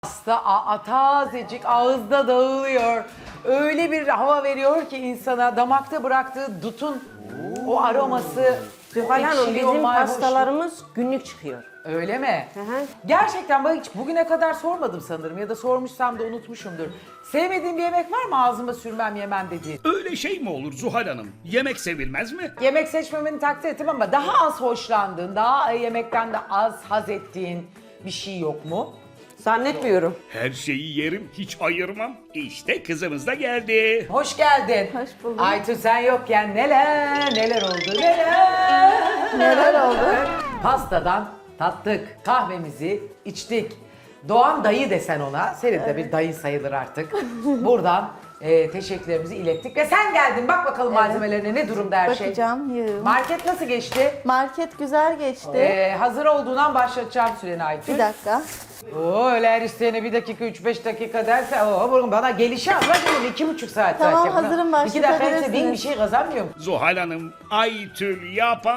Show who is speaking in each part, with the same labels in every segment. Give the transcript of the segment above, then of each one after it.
Speaker 1: Pasta tazecik ağızda dağılıyor. Öyle bir hava veriyor ki insana damakta bıraktığı dutun o aroması.
Speaker 2: Zuhal Hanım
Speaker 1: ekşiliyor,
Speaker 2: bizim
Speaker 1: mayhoş.
Speaker 2: pastalarımız günlük çıkıyor.
Speaker 1: Öyle mi?
Speaker 2: Hı hı.
Speaker 1: Gerçekten bak hiç bugüne kadar sormadım sanırım ya da sormuşsam da unutmuşumdur. Sevmediğin bir yemek var mı ağzıma sürmem yemem dediğin?
Speaker 3: Öyle şey mi olur Zuhal Hanım? Yemek sevilmez mi?
Speaker 1: Yemek seçmemeni takdir ettim ama daha az hoşlandığın, daha yemekten de az haz ettiğin bir şey yok mu?
Speaker 2: Zannetmiyorum.
Speaker 3: Her şeyi yerim, hiç ayırmam. İşte kızımız da geldi.
Speaker 1: Hoş geldin.
Speaker 4: Hoş bulduk.
Speaker 1: Aytun sen yokken neler oldu neler.
Speaker 4: Neler oldu?
Speaker 1: Pastadan tattık, kahvemizi içtik. Doğan dayı desen ona, senin de bir dayı sayılır artık. Buradan teşekkürlerimizi ilettik ve sen geldin. Bak bakalım malzemelerine ne durumda her şey.
Speaker 4: Bakacağım. Yığım.
Speaker 1: Market nasıl geçti?
Speaker 4: Market güzel geçti.
Speaker 1: Hazır olduğundan başlatacağım süreni Aytun.
Speaker 4: Bir dakika.
Speaker 1: Oo, öyle her isteyene 1 dakika 3-5 dakika derse bana gelişi az. Bak şimdi 2,5 saat
Speaker 4: Tamam,
Speaker 1: zaten.
Speaker 4: hazırım,
Speaker 1: 2 dakika ise
Speaker 4: başlatabilirsiniz.
Speaker 1: bir şey kazanmıyor mu?
Speaker 3: Zuhal Hanım, Aytül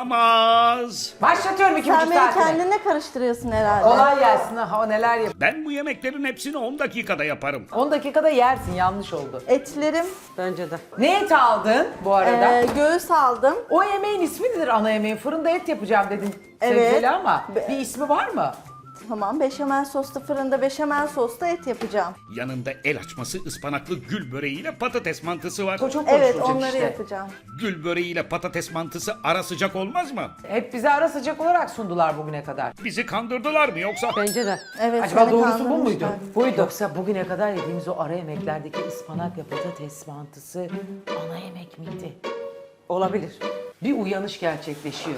Speaker 3: yapamaz.
Speaker 1: Başlatıyorum 2,5
Speaker 4: Sen beni
Speaker 1: saatine.
Speaker 4: kendine karıştırıyorsun herhalde.
Speaker 1: Kolay gelsin ha neler yap.
Speaker 3: Ben bu yemeklerin hepsini 10 dakikada yaparım.
Speaker 1: 10 dakikada yersin yanlış oldu.
Speaker 4: Etlerim.
Speaker 2: Bence de.
Speaker 1: Ne eti aldın bu arada?
Speaker 4: Göğüs aldım.
Speaker 1: O yemeğin ismi nedir ana yemeğin? Fırında et yapacağım dedin
Speaker 4: Evet.
Speaker 1: sevgili ama bir ismi var mı?
Speaker 4: Tamam, beşamel soslu fırında beşamel soslu et yapacağım.
Speaker 3: Yanında el açması ıspanaklı gül böreğiyle patates mantısı var.
Speaker 1: O çok
Speaker 4: Evet,
Speaker 1: konuşulacak
Speaker 4: onları
Speaker 1: işte.
Speaker 4: yapacağım.
Speaker 3: Gül böreğiyle patates mantısı ara sıcak olmaz mı?
Speaker 1: Hep bize ara sıcak olarak sundular bugüne kadar.
Speaker 3: Bizi kandırdılar mı yoksa?
Speaker 2: Bence de.
Speaker 4: Evet,
Speaker 1: Acaba
Speaker 4: seni
Speaker 1: doğrusu bu
Speaker 4: kandırmışlar.
Speaker 1: muydu? Buydu. Yoksa bugüne kadar yediğimiz o ara yemeklerdeki ıspanak ve patates mantısı ana yemek miydi?
Speaker 2: Olabilir.
Speaker 1: Bir uyanış gerçekleşiyor.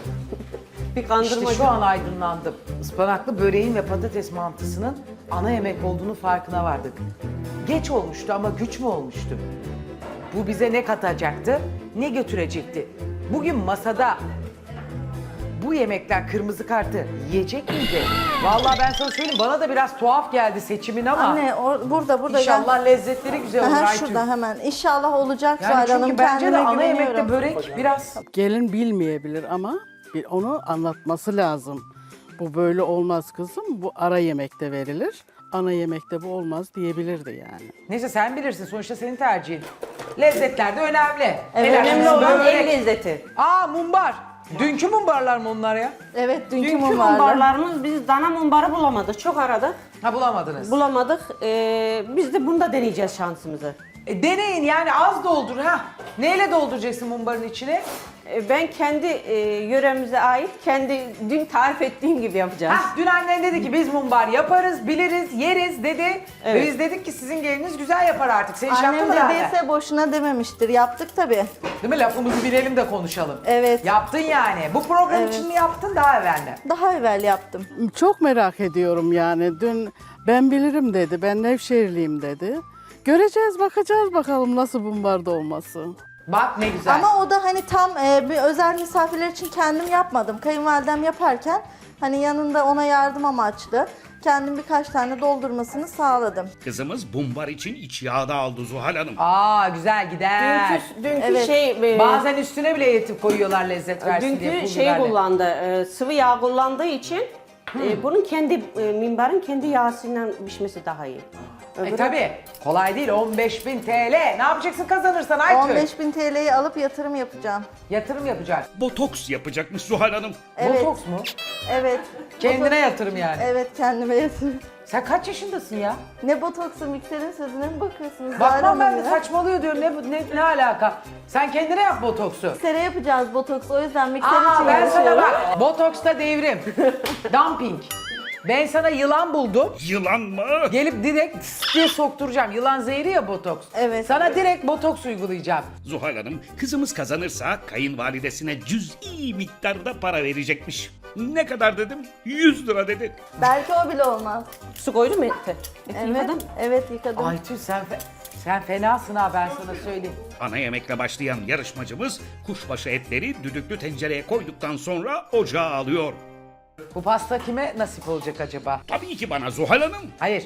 Speaker 2: Bir kandırmacı.
Speaker 1: İşte şu an aydınlandım. Ispanaklı böreğin ve patates mantısının ana yemek olduğunu farkına vardık. Geç olmuştu ama güç mü olmuştu? Bu bize ne katacaktı, ne götürecekti? Bugün masada bu yemekler kırmızı kartı yiyecek miydi? Vallahi ben sana söyleyeyim bana da biraz tuhaf geldi seçimin ama
Speaker 4: Anne burada
Speaker 1: inşallah lezzetleri güzel olur
Speaker 4: Aha,
Speaker 1: Aytun.
Speaker 4: şurada hemen. İnşallah olacak
Speaker 1: Yani
Speaker 4: Zuhal
Speaker 1: çünkü
Speaker 4: Hanım.
Speaker 1: bence de
Speaker 4: Kendime
Speaker 1: ana yemekte
Speaker 4: güveniyorum.
Speaker 1: börek biraz
Speaker 5: Gelin bilmeyebilir ama onu anlatması lazım. Bu böyle olmaz kızım, bu ara yemekte verilir. Ana yemekte bu olmaz diyebilirdi yani.
Speaker 1: neyse sen bilirsin sonuçta senin tercihin. Lezzetler de önemli.
Speaker 4: Evet,
Speaker 1: Helal
Speaker 2: Önemli
Speaker 1: olsun,
Speaker 2: olan
Speaker 1: börek.
Speaker 2: el lezzeti.
Speaker 1: Aa mumbar. Dünkü mumbarlar mı onlar ya?
Speaker 4: Evet, dünkü
Speaker 2: Dünkü
Speaker 4: mum vardı.
Speaker 2: mumbarlarımız biz dana mumbarı bulamadık. Çok aradık.
Speaker 1: Ha bulamadınız.
Speaker 2: Bulamadık. Biz de bunda deneyeceğiz şansımızı.
Speaker 1: Deneyin yani az doldur ha. Neyle dolduracaksın mumbarın içine?
Speaker 2: Ben kendi yöremize ait, dün tarif ettiğim gibi yapacağız.
Speaker 1: Ha dün annen dedi ki biz mumbar yaparız, biliriz, yeriz dedi. Ve
Speaker 2: Evet.
Speaker 1: biz dedik ki sizin geliniz güzel yapar artık. Sen iş yaptın
Speaker 4: Annem
Speaker 1: mı daha
Speaker 4: dediyse boşuna dememiştir. Yaptık tabii.
Speaker 1: Değil mi? Lafımızı bilelim de konuşalım.
Speaker 4: Evet.
Speaker 1: Yaptın yani. Bu program
Speaker 4: Evet.
Speaker 1: için mi yaptın daha evvel mi?
Speaker 4: Daha evvel yaptım.
Speaker 5: Çok merak ediyorum yani. Dün ben bilirim dedi, ben Nevşehirliyim dedi. Göreceğiz, bakacağız bakalım nasıl bombarda olması.
Speaker 1: Bak ne güzel.
Speaker 4: Ama o da hani tam bir özel misafirler için kendim yapmadım. Kayınvalidem yaparken hani yanında ona yardım amaçlı kendim birkaç tane doldurmasını sağladım.
Speaker 3: Kızımız bumbar için iç yağda aldı Zuhal Hanım.
Speaker 1: Aa güzel gider.
Speaker 2: Dünkü
Speaker 4: Evet.
Speaker 1: Bazen üstüne bile yetip koyuyorlar lezzet versin diye.
Speaker 2: dünkü
Speaker 1: pul
Speaker 2: şey
Speaker 1: biberle.
Speaker 2: kullandı, sıvı yağ kullandığı için bunun minberin kendi yağsıyla pişmesi daha iyi.
Speaker 1: Tabii kolay değil 15.000 TL. Ne yapacaksın kazanırsan Aytül?
Speaker 4: 15.000 TL'yi alıp yatırım yapacağım.
Speaker 1: Yatırım yapacak.
Speaker 3: Botoks yapacakmış Zuhal Hanım.
Speaker 4: Evet.
Speaker 1: Botoks mu?
Speaker 4: Evet.
Speaker 1: Kendine yatırım yani.
Speaker 4: Evet, kendime yatırım.
Speaker 1: Sen kaç yaşındasın ya?
Speaker 4: Ne botoksu, mikserin sözüne mi bakıyorsunuz? Zuhal
Speaker 1: Bakmam ben
Speaker 4: Hanım
Speaker 1: de
Speaker 4: ya?
Speaker 1: saçmalıyor diyorum ne alaka? Sen kendine yap botoksu.
Speaker 4: Miksere yapacağız botoks, o yüzden mikser
Speaker 1: Aa
Speaker 4: için
Speaker 1: ben sana
Speaker 4: uğraşıyorum.
Speaker 1: bak botoksta devrim. Dumping. Ben sana yılan buldum.
Speaker 3: Yılan mı?
Speaker 1: Gelip direkt tıs diye sokturacağım. Yılan zehri ya botoks.
Speaker 4: Evet.
Speaker 1: Sana direkt botoks uygulayacağım.
Speaker 3: Zuhal Hanım, kızımız kazanırsa kayınvalidesine cüz'i miktarda para verecekmiş. Ne kadar dedim? 100 lira dedi.
Speaker 4: Belki o bile olmaz.
Speaker 2: Su koydun mu ete? Eti
Speaker 4: Evet,
Speaker 2: yıkadın?
Speaker 4: evet yıkadım.
Speaker 1: Aytül sen fenasın ha ben sana söyleyeyim.
Speaker 3: Ana yemekle başlayan yarışmacımız kuşbaşı etleri düdüklü tencereye koyduktan sonra ocağa alıyor.
Speaker 1: Bu pasta kime nasip olacak acaba?
Speaker 3: Tabii ki bana Zuhal Hanım.
Speaker 1: Hayır.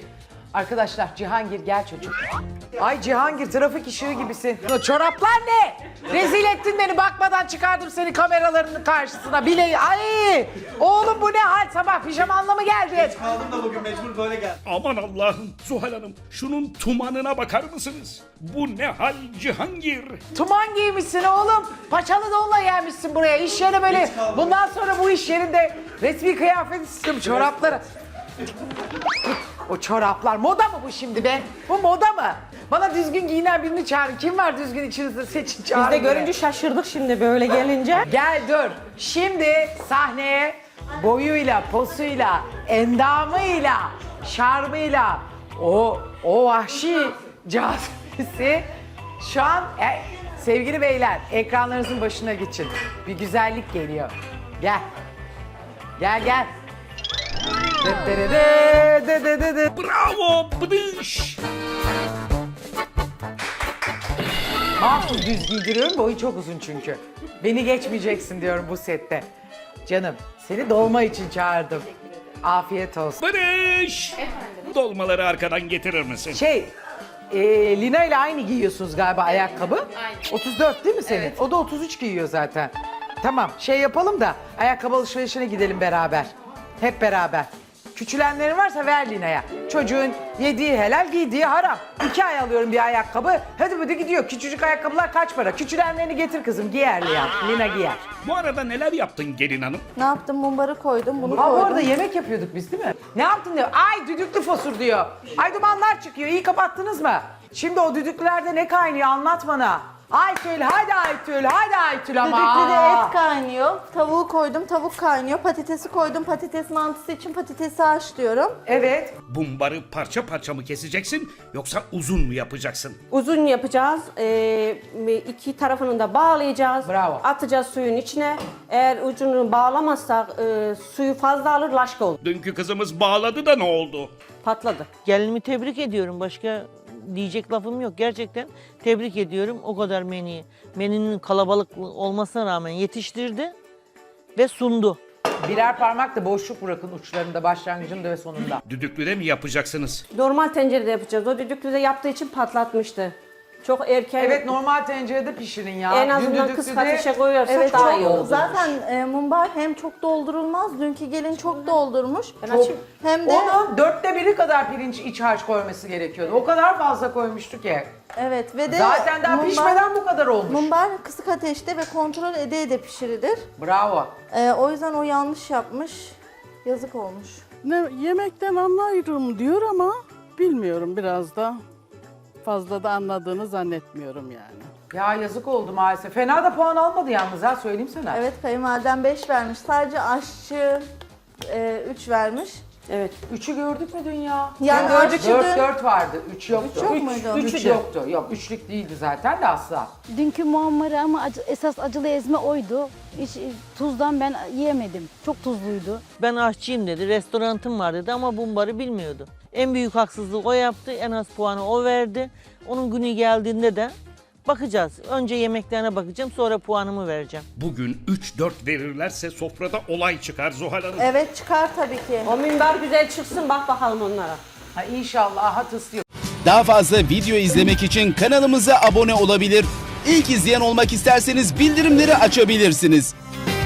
Speaker 1: Arkadaşlar Cihangir gel çocuğum. Ay Cihangir trafik ışığı gibisin. O çoraplar ne? Rezil ettin beni, bakmadan çıkardım seni kameralarının karşısına. Bile ay oğlum bu ne hal, sabah pijamanla mı geldin?
Speaker 6: Kaldım da bugün mecbur böyle geldim.
Speaker 3: Aman Allah'ım Zuhal Hanım şunun tumanına bakar mısınız? Bu ne hal Cihangir?
Speaker 1: Tuman giymişsin oğlum. Paçalı donla gelmişsin buraya. İş yeri böyle. Bundan sonra bu iş yerinde resmi kıyafet istiyorum, çorapları. O çoraplar moda mı bu şimdi be? Bu moda mı? Bana düzgün giyinen birini çağırın. Kim var düzgün içinizde, seçin çağırın.
Speaker 2: Biz de
Speaker 1: beni.
Speaker 2: görünce şaşırdık şimdi böyle gelince.
Speaker 1: Gel dur. Şimdi sahneye boyuyla, posuyla, endamıyla, şarmıyla o vahşi cazibesi şu an sevgili beyler ekranlarınızın başına geçin. Bir güzellik geliyor. Gel. Gel gel.
Speaker 3: Bravo Bıdış!
Speaker 1: Mahsus düz giydiriyorum, boyu çok uzun çünkü. Beni geçmeyeceksin diyorum bu sette. Canım seni dolma için çağırdım. Afiyet olsun.
Speaker 3: Barış! Dolmaları arkadan getirir misin?
Speaker 1: Lina ile aynı giyiyorsunuz galiba ayakkabı. Aynı. 34 değil mi senin? Evet. O da 33 giyiyor zaten. Tamam yapalım da ayakkabı alışverişine gidelim beraber. Hep beraber. Küçülenlerin varsa ver Lina'ya. Çocuğun yediği helal, giydiği haram. 2 ay alıyorum bir ayakkabı. Hadi gidiyor. Küçücük ayakkabılar kaç para? Küçülenlerini getir kızım. Giyer Lina giyer.
Speaker 3: Bu arada neler yaptın gelin hanım?
Speaker 4: Ne yaptım? Mumbarı koydum, bunu
Speaker 1: Ha bu
Speaker 4: koydum.
Speaker 1: arada yemek yapıyorduk biz değil mi? Ne yaptın diyor. Ay düdüklü fosur diyor. Ay dumanlar çıkıyor. İyi kapattınız mı? Şimdi o düdüklülerde ne kaynıyor anlat bana. Aytül hadi Aytül ama.
Speaker 4: Düdüklüde et kaynıyor. Tavuğu koydum, tavuk kaynıyor. Patatesi koydum, patates mantısı için patatesi haşlıyorum.
Speaker 1: Evet.
Speaker 3: Bumbarı parça parça mı keseceksin yoksa uzun mu yapacaksın?
Speaker 2: Uzun yapacağız. 2 tarafını da bağlayacağız.
Speaker 1: Bravo.
Speaker 2: Atacağız suyun içine. Eğer ucunu bağlamazsak suyu fazla alır, laşka olur.
Speaker 3: Dünkü kızımız bağladı da ne oldu?
Speaker 2: Patladı.
Speaker 7: Gelinimi tebrik ediyorum. Başka diyecek lafım yok. Gerçekten tebrik ediyorum. O kadar menünün kalabalık olmasına rağmen yetiştirdi ve sundu.
Speaker 1: Birer parmak da boşluk bırakın uçlarında, başlangıcında ve sonunda.
Speaker 3: Düdüklüde mi yapacaksınız?
Speaker 2: Normal tencerede yapacağız. O düdüklüde yaptığı için patlatmıştı. Çok erken.
Speaker 1: Evet normal tencerede pişirin ya.
Speaker 2: En
Speaker 1: Dün
Speaker 2: azından
Speaker 1: düdüklüde-
Speaker 2: kısık ateşe koyarsak
Speaker 4: Evet,
Speaker 2: daha
Speaker 4: çok,
Speaker 2: iyi olur.
Speaker 4: zaten mumbar hem çok doldurulmaz. Dünkü gelin çok doldurmuş.
Speaker 2: Ben açayım.
Speaker 4: Hem de
Speaker 1: Onun 1/4 kadar pirinç iç harç koyması gerekiyordu. O kadar fazla koymuştu ki.
Speaker 4: evet ve de
Speaker 1: Zaten daha pişmeden bu kadar olmuş.
Speaker 4: Mumbar kısık ateşte ve kontrol ede pişirilir.
Speaker 1: Bravo.
Speaker 4: O yüzden o yanlış yapmış. Yazık olmuş.
Speaker 5: Yemekten anlarım diyor ama bilmiyorum, biraz da fazla da anladığını zannetmiyorum yani.
Speaker 1: Ya yazık oldu maalesef. Fena da puan almadı yalnız ha, söyleyeyim sana.
Speaker 4: Evet, kayınvaliden 5 vermiş. Sadece aşçı 3 vermiş.
Speaker 2: Evet.
Speaker 1: 3'ü gördük mü dün ya?
Speaker 4: Yani
Speaker 1: gördük.
Speaker 4: aşçı
Speaker 1: 4 vardı. 3 yoktu.
Speaker 4: Üç yok muydu?
Speaker 1: 3 yoktu. Yok 3'lük değildi zaten de asla.
Speaker 8: Dünkü muammarı ama esas acılı ezme oydu. Hiç tuzdan ben yiyemedim. Çok tuzluydu.
Speaker 7: Ben aşçıyım dedi, restoranım var dedi ama bumbarı bilmiyordu. En büyük haksızlığı o yaptı, en az puanı o verdi. Onun günü geldiğinde de bakacağız. Önce yemeklerine bakacağım, sonra puanımı vereceğim.
Speaker 3: Bugün 3-4 verirlerse sofrada olay çıkar Zuhal Hanım.
Speaker 4: Evet, çıkar tabii ki.
Speaker 2: O minber güzel çıksın, bak bakalım onlara.
Speaker 1: Ha, inşallah aha tıslıyor.
Speaker 9: Daha fazla video izlemek için kanalımıza abone olabilir. İlk izleyen olmak isterseniz bildirimleri açabilirsiniz.